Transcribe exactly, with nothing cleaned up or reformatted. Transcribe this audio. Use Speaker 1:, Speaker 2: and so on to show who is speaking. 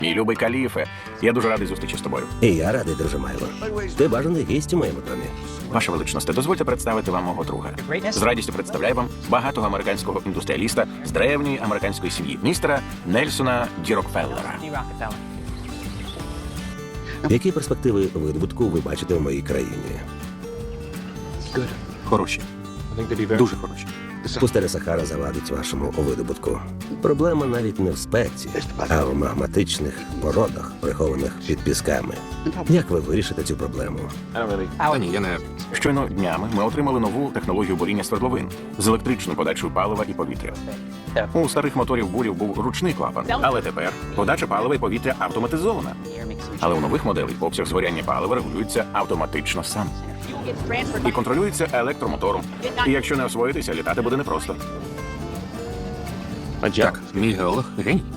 Speaker 1: Мій любий Каліфе, я дуже радий зустрічі з тобою.
Speaker 2: І я радий, друже Майло. Ти бажаний гість у моєму домі.
Speaker 1: Ваша величність, дозвольте представити вам мого друга. З радістю представляю вам багатого американського індустріаліста з древньої американської сім'ї, містера Нельсона Ді Рокфеллера.
Speaker 2: Які перспективи видобутку ви бачите в моїй країні?
Speaker 1: Хороші, дуже хороші.
Speaker 2: Пустеля Сахара завадить вашому видобутку. Проблема навіть не в спеці, а в магматичних породах, прихованих під пісками. Як ви вирішите цю проблему?
Speaker 1: Та ні, я не... Щойно днями ми отримали нову технологію буріння свердловин з електричною подачею палива і повітря. У старих моторів бурів був ручний клапан, але тепер подача палива і повітря автоматизована. Але у нових моделей обсяг згоряння палива регулюється автоматично сам. І контролюється електромотором. І якщо не освоїтися, літати буде непросто.
Speaker 3: Так, мій геолог геній.